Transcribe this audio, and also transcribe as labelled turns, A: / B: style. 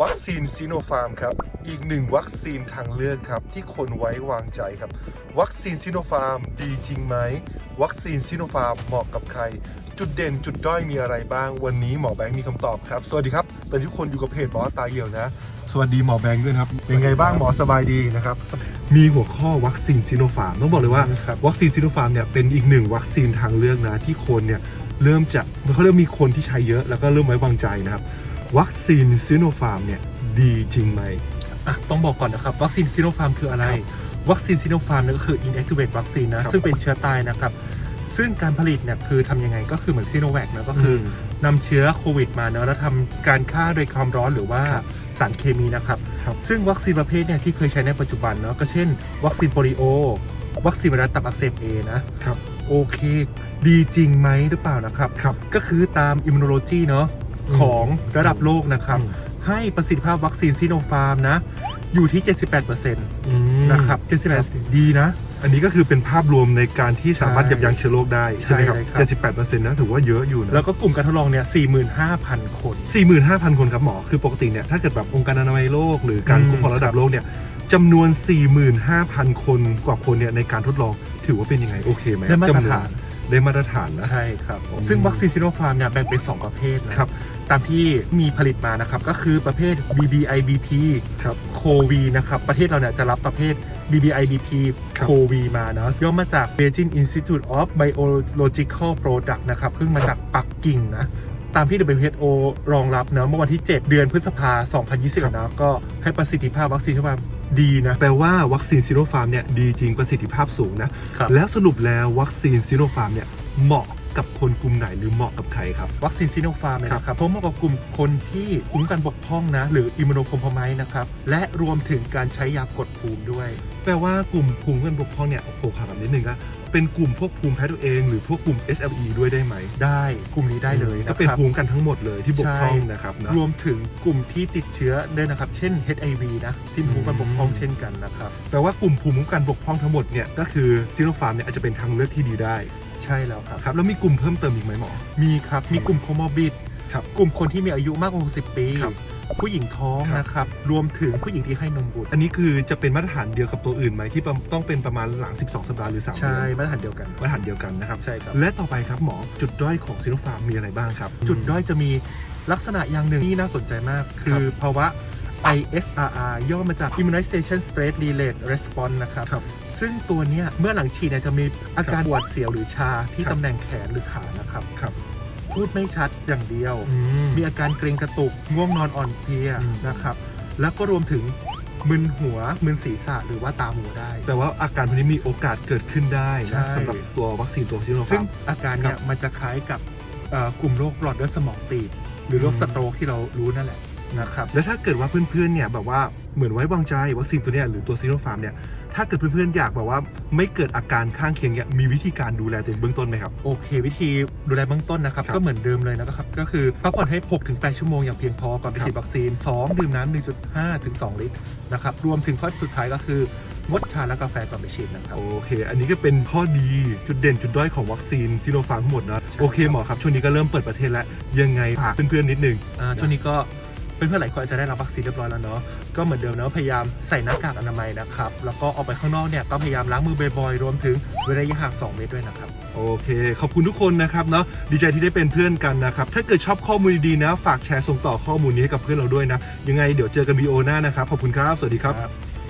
A: วัคซีนซิโนฟาร์มครับอีกหนึ่งวัคซีนทางเลือกครับที่คนไว้วางใจครับวัคซีนซิโนฟาร์มดีจริงไหมวัคซีนซิโนฟาร์มเหมาะกับใครจุดเด่นจุดด้อยมีอะไรบ้างวันนี้หมอแบงค์มีคำตอบครับสวัสดีครับตอนนี้ทุกคนอยู่กับเพจหมอตาเหี่ยวนะสวัสดีหมอแบงค์ด้วยครับเป็นไงบ้างหมอสบายดีนะครับมีหัวข้อวัคซีนซิโนฟาร์มต้องบอกเลยว่าวัคซีนซิโนฟาร์มเนี่ยเป็นอีกหนึ่งวัคซีนทางเลือกนะที่คนเนี่ยเริ่มมีคนที่ใช้เยอะแล้วก็เริ่มไว้วางใจนะครับวัคซีนซิโนฟาร์มเนี่ยดีจริงไหม
B: ต้องบอกก่อนนะครับวัคซีนซิโนฟาร์มคืออะไรวัคซีนซิโนฟาร์มนั่นก็คือ inactivate วัคซีนนะซึ่งเป็นเชื้อตายนะครับซึ่งการผลิตเนี่ยคือทำยังไงก็คือเหมือนซิโนแวคนะก็คือนำเชื้อโควิดมาเนาะแล้วทำการฆ่าโดยความร้อนหรือว่าสารเคมีนะครับซึ่งวัคซีนประเภทเนี่ยที่เคยใช้ในปัจจุบันเนาะก็เช่นวัคซีนโปลิโอวัคซีนไวรัสตับอักเสบ A นะครับโอเคดีจริงไหมหรือเปล่านะครับก็คือตามอิมมูโนโลจีเนาะของระดับโลกนะครับให้ประสิทธิภาพวัคซีนซิโนฟาร์มนะอยู่ที่ 78% นะครับ 78% ดีนะ
A: อันนี้ก็คือเป็นภาพรวมในการที่สามารถยับยั้งเชื้อโรคได้ใช่ไหมครับ 78% นะถือว่าเยอะอยู่นะ
B: แล้วก็กลุ่มการทดลองเนี่ย 45,000 คน
A: 45,000 คนครับหมอคือปกติเนี่ยถ้าเกิดแบบองค์การอนามัยโลกหรือการคุ้มครองระดับโลกเนี่ยจำนวน 45,000 คนกว่าคนเนี่ยในการทดลองถือว่าเป็นยังไงโอเคไหม
B: ได้มาตรฐาน
A: นะ
B: ใช่ครับซึ่งวัคซีนซิโนฟาร์มเนี่ยแบ่งเป็น2ประเภทนะครับตามที่มีผลิตมานะครับก็คือประเภท BBIBP
A: ครับ
B: โควีนะครับประเทศเราเนี่ยจะรับประเภท BBIBP โควีมาเนาะย่อมาจาก Beijing Institute of Biological Products นะครับซึ่งมาจากปักกิ่งนะตามที่ WHO รองรับเนาะเมื่อวันที่ 7 เดือนพฤษภาคม 2020 นะก็ให้ประสิทธิภาพวัคซีนซิโนฟาร์มดีนะ
A: แปลว่าวัคซีนซิโนฟาร์มเนี่ยดีจริงประสิทธิภาพสูงนะแล้วสรุปแล้ววัคซีนซิโนฟาร์มเนี่ยเหมาะกับคนกลุ่มไหนหรือเหมาะกับใครครับ
B: วัคซีนซิโนฟาร์มเนี่ยนะครับเพราะเหมาะกับกลุ่มคนที่คุ้มกันบกพร่องนะหรืออิมมูโนคอมโพไมซ์นะครับและรวมถึงการใช้ยากดภูมิด้วย
A: แปลว่ากลุ่มภูมิคุ้มกันบกพร่องเนี่ยโอ้โหถามนิดนึงก็เป็นกลุ่มพวกภูมิแพ้ตัวเองหรือพวกกลุ่ม SLE ด้วยได้ไหม
B: ได้กลุ่มนี้ได้เลย
A: ก็เป็นภูมิกันทั้งหมดเลยที่บกพร่องนะครับ
B: รวมถึงกลุ่มที่ติดเชื้อด้วยนะครับเช่น HIV นะที่ภูมิคุ้มกันบกพร่องเช่นกันนะครับ
A: แปลว่ากลุ่มภูมิคุ้มกันบกพร่องทั้งหมดเนี่ยก็คือซิโนฟาร์มเนี่ยอาจจะเป็นทางเลือกที่ดีได้
B: ใช่แล้วครับ
A: แล้วมีกลุ่มเพิ่มเติมอีกไหมหมอ
B: มีครับมีกลุ่มโคมอร์บิดกลุ่มคนที่มีอายุมากกว่า60 ปีผู้หญิงท้องนะครับรวมถึงผู้หญิงที่ให้นมบุตร
A: อันนี้คือจะเป็นมาตรฐานเดียวกับตัวอื่นไหมที่ต้องเป็นประมาณหลัง12สัปดาห์หรือ3 เดือน
B: ใช่มาตรฐานเดียวกัน
A: นะครับ
B: ใช่ครับ
A: และต่อไปครับหมอจุดด้อยของซิโนฟาร์มมีอะไรบ้างครับ
B: จุดด้อยจะมีลักษณะอย่างหนึ่งที่น่าสนใจมากคือภาวะ ISRR ย่อมาจาก Immunization Stress Related Response นะครับซึ่งตัวนี้เมื่อหลังฉีดเนี่ยจะมีอาการปวดเสียวหรือชาที่ตำแหน่งแขนหรือขานะครับพูดไม่ชัดอย่างเดียวมีอาการเกร็งกระตุกง่วงนอนอ่อนเพลียนะครับแล้วก็รวมถึงมึนหัวมึนศีรษะหรือว่าตามัวได้
A: แต่ว่าอาการพวกนี้มีโอกาสเกิดขึ้นได้นะสำหรับตัววัคซีนตัวซิโนฟาร์ม
B: ซึ่งอาการเนี่ยมันจะคล้ายกับกลุ่มโรคหลอดเลือดสมองตีบหรือโรคสโตรกที่เรารู้นั่นแหละนะครับ
A: แล้วถ้าเกิดว่าเพื่อนๆเนี่ยแบบว่าเหมือนไว้วางใจวัคซีนตัวเนี้ยหรือตัวซิโนฟาร์มเนี่ยถ้าเกิดเพื่อนๆอยากแบบว่าไม่เกิดอาการข้างเคียงเนี่ยมีวิธีการดูแลตัวเองเบื้องต้นไหมครับ
B: โอเควิธีดูแลเบื้องต้นนะครับก็เหมือนเดิมเลยนะครับก็คือพักผ่อนให้ 6-8 ชั่วโมงอย่างเพียงพอก่อนไปฉีดวัคซีน2ดื่มน้ำ 1.5 ถึง 2 ลิตรนะครับรวมถึงข้อสุดท้ายก็คืองดชาและกาแฟก่อนไปฉีดนะครับ
A: โอเคอันนี้ก็เป็นข้อดีจุดเด่นจุดด้อยของวัคซีนซิโนฟาร์มทั้งหมดนะโอเคหมอครับช่วงนี้ก็เริ่มเปิดประเทศแล้วยังไงฝากเพื่อนๆนิดนึง
B: ช่วงนี้ก็เพื่อนๆหลายคนอาจจะได้รับวัคซีนเรียบร้อยแล้วเนาะก็เหมือนเดิมนะพยายามใส่หน้ากากอนามัยนะครับแล้วก็ออกไปข้างนอกเนี่ยก็พยายามล้างมือบ่อยๆรวมถึงเว้นระยะห่าง2 เมตรด้วยนะครับ
A: โอเคขอบคุณทุกคนนะครับเนาะดีใจที่ได้เป็นเพื่อนกันนะครับถ้าเกิดชอบข้อมูลดีๆนะฝากแชร์ส่งต่อข้อมูลนี้ให้กับเพื่อนเราด้วยนะยังไงเดี๋ยวเจอกันวีดีโอหน้านะครับขอบคุณครับสวัสดีครับ